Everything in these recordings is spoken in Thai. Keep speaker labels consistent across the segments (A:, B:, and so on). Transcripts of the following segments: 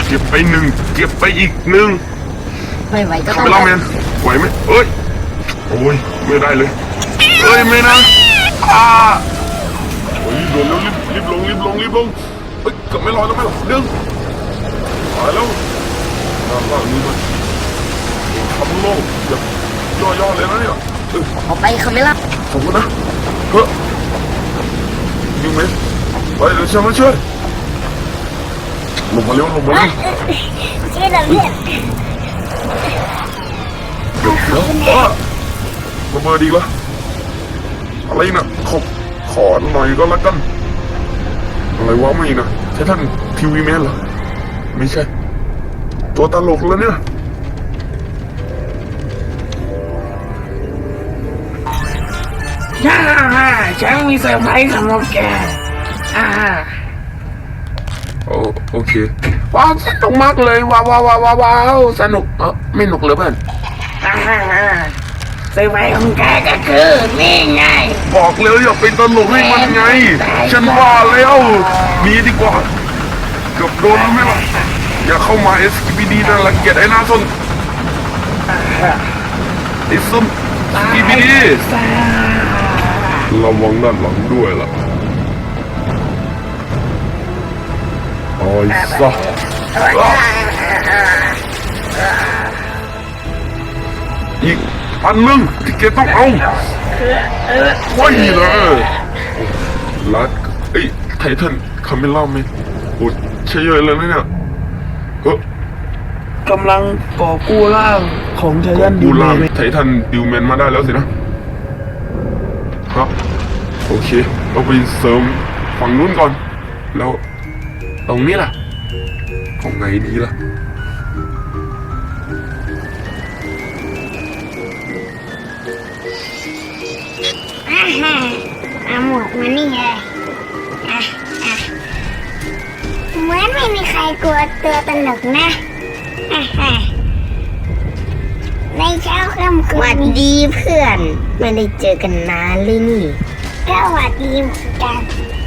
A: เก็บไปหนึ่งเก็บไปอีกหนึ่ง
B: ไม่ไหวก็ต้
A: คา
B: อง
A: เมล่าแมนไหวไหมเอ้ยโอ้ยไม่ได้เลยเอ้ยไม่นะโอ้ยโดนแล้วรีบลงเอ้ยเกือบไม่รอดแล้วไม่หรอเรื่องตายแล้วล่างนี้มันทำโลกแบบย่อเลยนะเนี่ย
B: ออกไปคาเมล่า
A: ขอบคุณนะเฮ้ยยูเมสไปเดี๋ยวฉันมาช่วยลงมาเร็ว
B: ช่วยหน่อยเพื่อน
A: เดี๋ยวระเบิดดีละอะไรนะขอหน่อยก็แล้วกันอะไรวะไม่นะใช่ท่านทีวีแมนเหรอไม่ใช่ตัวตลกแล้วเนี่ย
C: ฉันมีเซอร์ไพรส์สำหรับแก
A: โอเค
C: ว้าวสนุกมากเลยว้าวสนุกไม่หนุกเลยเพื่อนเซอร์ไพรส์ของแกก็คือนี่ไง
A: บอกเลยอย่าเป็นตลกให้มันไงฉันว่าแล้วหนีดีกว่าเกือบโดนแล้วไหมล่ะอย่าเข้ามา SKPD นะรังเกียจไอ้หน้าส้นไอ้ส้น SKPD ระวังด้านหลังด้วยล่ะโอ้ยซะอีกอันนึงที่แกต้องเอาไว้เลยลัดไททันคาเมล่าไหมโอ้ใช่เยอะเลยนะเนี่ย
C: กำลังก่อกู้ร่างของไททัน
A: ดิวแมนไททันดิวแมนมาได้แล้วสินะโอเคเราไปเสริมฝั่งนู้นก่อนแล้วตรงนี้ล่ะของไงดีล่ะ
B: เอาหมวกมานี่ไงเหมือนไม่มีใครกลัวตัวตลกนะในเช้าค่ำคืนวันดีเพื่อนไม่ได้เจอกันนานเลยนี่สวัสดีเหมือนกัน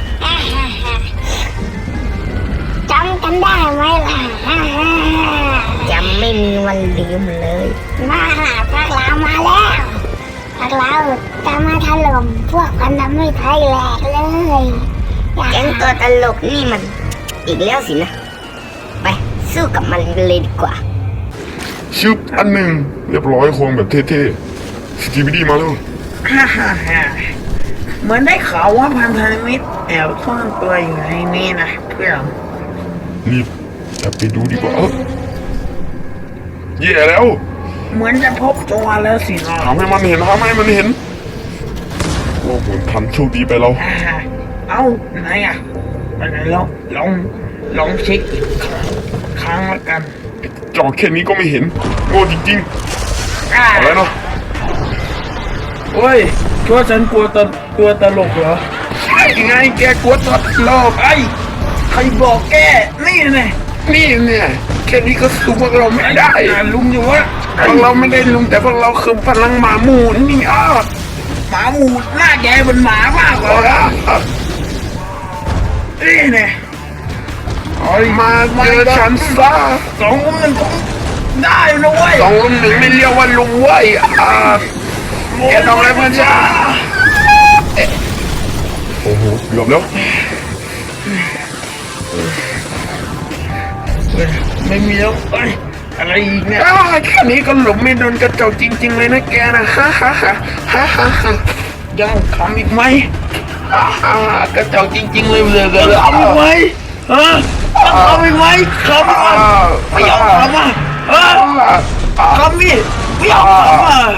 B: จำกันได้ไหมล่ะจำไม่มีวันลืมเลยมาพวกเรามาแล้วพวกเราจะมาถล่มพวกพันธมิตรไทยแหลกเลยแก๊งตัวตลกนี่มันอีกแล้วสินะไปสู้กับมันเลยดีกว่า
A: ชึบอันหนึ่งเรียบร้อยโครงแบบเท่ๆสกีบิดี้มาแล้ว
C: เหมือนได้ข่าวว่าพันธมิตรแอบซ่อนตัวอยู่ในนี้นะเพื่อน
A: รีบจะไปดูดีกว่าแย่แล้ว
C: เหมือนจะพบตัวแล้วสินะ
A: ทำให้มันเห็นโอ้โหทันโชคดีไปเรา
C: ไหนไปไหนลองเช็คอีกครั้งละกัน
A: จอแค่นี้ก็ไม่เห็นโง่จริงๆอะไรเนาะ
C: โอ้ยคิดว่าฉันกลัวตัวตลกเหรอใช่ไงแกกลัวตัวตลกใครบอกแกนี่เนี่ยแค่นี้ก็สู้พวกเราไม่ได้ลุงอยู่วะพวกเราไม่ได้ลุงแต่พวกเราคือพลังหมาหมูนี่หมาหมูหน้าแกเป็นหมามากกว่านี่เนี่ยมาเจอฉันซะ2-1คงได้นะเว้ย2-1ไม่เรียกว่าลุงเว้ยแกทำอะไรเพื่อนจ้า
A: โอ้โหเกือบแล้ว
C: ไม่มีแล้วอะไรอีกเนี่ยแค่นี้ก็หลบไม่โดนกระจกจริงๆเลยนะแกนะยังทำอีกไหมกระจกจริงๆเลยเลยทำอีกไหมทำอีกไหมไม่ยอมทำทำนี่ไม่ยอมทำ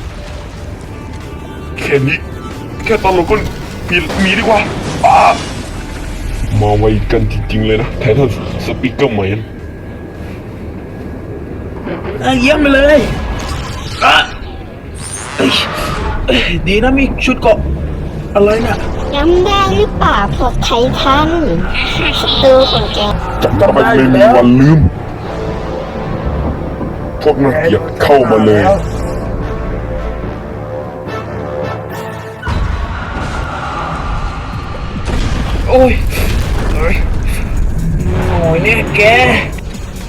A: แค่นี้แค่ตลกก็มีดีกว่ามาไวกันจริงๆเลยนะไททันสปีกเกอร์แมน
C: เยี่ยมไปเลยดีนะมีชุดเกาะอะไรน่ะ
B: จำได้หรือเปล่าพวกไททันศัตรูของแก
A: จำได้ไม่มีวันลืมพวกนักเกียรติเข้ามาเลย
C: โอ้ยเนี่ยแก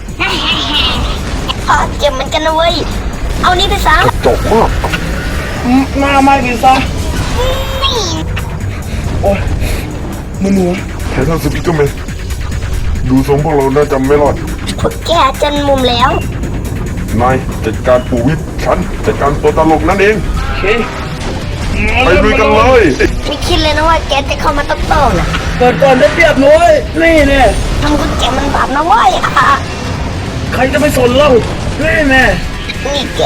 B: เจ็บเหมือนกันนะเว้ยเอานี่ไปซะ
A: กระจอกมาก
C: หน้าไม่กินซะ
B: นี่
C: โอ้ยมือหนู
A: ไททันสปีกเกอร์แมนดูทรงพวกเราน่าจะไม่รอด
B: พวกแกจนมุมแล้ว
A: นายจัดการปู่วิทย์ฉันจัดการตัวตลกนั่นเอง
C: โอเค
A: ไปลุยกันเลย
B: ไม่คิดเลยนะว่าแกจะเข้ามาโต้ๆนะ
C: เปิดก่อนได้เปรียบหน่อยนี่เนี่ย
B: ทำคนแกมันบาปนะเว้ย
C: ใครจะไปสนเรานี่แน่
B: นี่แก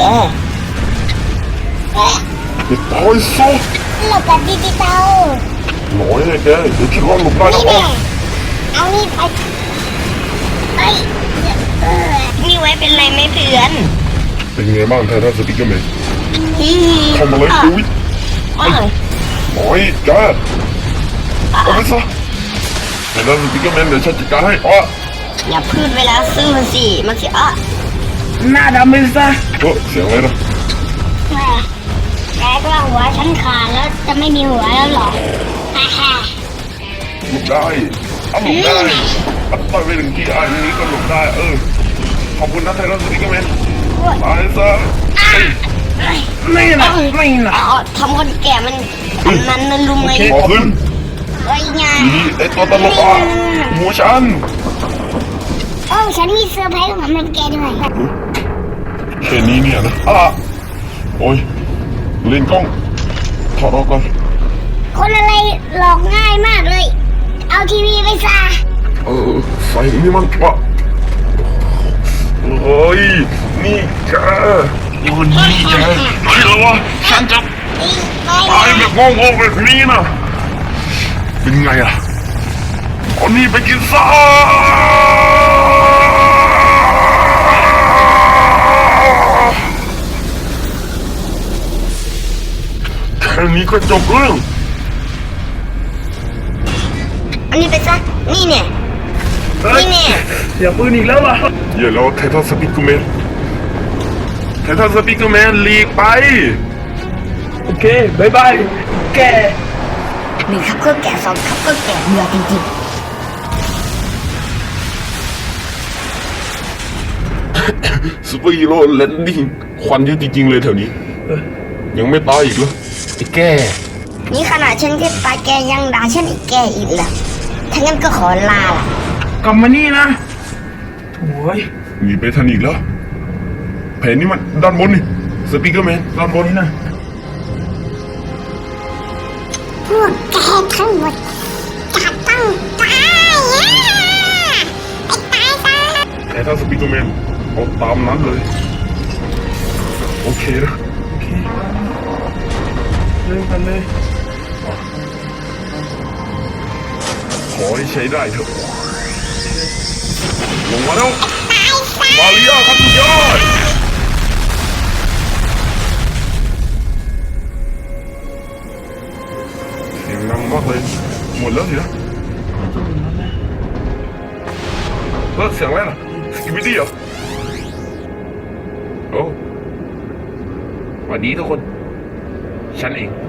A: ไปตายซะ
B: หลบแบบดิจิตอล
A: หน่อยเลยแกเดี๋ยวคิดว่าหลบได้นะ
B: นี่แน่เอานี่ไปเอ้ยนี่ไว้เป็นไรไหมเพื่อน
A: เป็นไงบ้างไททันสปีกเกอร์แมน
B: อื
A: เข้ามาเลยปู่วิทย์
B: อ้าว
A: หน่อยแกเอาไปซะไททันสปีกเกอร์แมนเดี๋ยวฉันจัดการให้
B: อย่าพูดเวลาซื้อมันสิมันสิ
C: หน้าดำไปซะ
A: เสียงอะไรนะ
B: แกก็ว่าหัวฉันขาดแล้วจะไม่มีหัวแล้วหรอฮ่าฮ่า
A: หลบได้เอาหลบได้เอาต่อยไปถึงที่อันนี้ก็หลบได้ขอบคุณนะไททันสปีกเกอร์แมนตายซะ
C: นี่นะนี่นะ
B: ทำคนแก่มันนั่นลุมไง
A: ขอขึ้น
B: ไอ้ยา
A: ดีไอตัวตลกหมูฉัน
B: ฉันมีเซอร์ไพรส์ของมันแกด้วย
A: แค่นี้เนี่ยนะโอ้ยเล่นกล้องถอดออกก่อน
B: คนอะไรหลอกง่ายมากเลย เอาทีวีไปซะ
A: ใส่นี่มันเฮ้ยนี่แกนี่แกไม่หรอวะฉันจะตายแบบงงๆแบบนี้นะเป็นไงอ่ะเอานี่ไปกินซะแค่นี้ก็จบเรื่อง
B: อันนี้ไปซะนี่เนี่ยนี่เนี่ย
C: อย่าปืนอีกแล้วล่ะ
A: อย่าแล้วไททันสปีกเกอร์แมนไททันสปีกเกอร์แมนหลีกไป
C: โอเคบายบายแก
B: หนึ่งครับก็แก่สองครับก็แก่เบื่อจริง
A: ซูเปอร์ฮีโร่แลนดิ้งควันเยอะจริงๆเลยแถวนี้ ยังไม่ตายอีกเหรอไอ้แก่
B: ๆนี่ขนาดฉันแค่ตายแกยังด่าฉันอีกแกอีกเหรอถ้างั้นก็ขอลาล่ะ
C: กลับมานี่นะโอ้ย
A: หนีไปทันอีกแล้วแผนนี้มันด้านบนนี่สปีกเกอร์แมนด้านบน
C: นี่นะ
B: พวกแกทั้งหมดจะต้องตายไอ้ตายซะ
A: แต่ถ้าสปีกเกอร์แมนเอาตามนั้นเลยโอเคนะ
C: โอเคเริ่มกันเลย
A: ขอให้ใช้ได้เถอะลงมาแล้วมาเรียครับทุกยอดเสียงดังมากเลยหมดแล้วสินะเสียงอะไรล่ะสกิปปี้เหรอโอ้สวัสดีทุกคนฉันเอง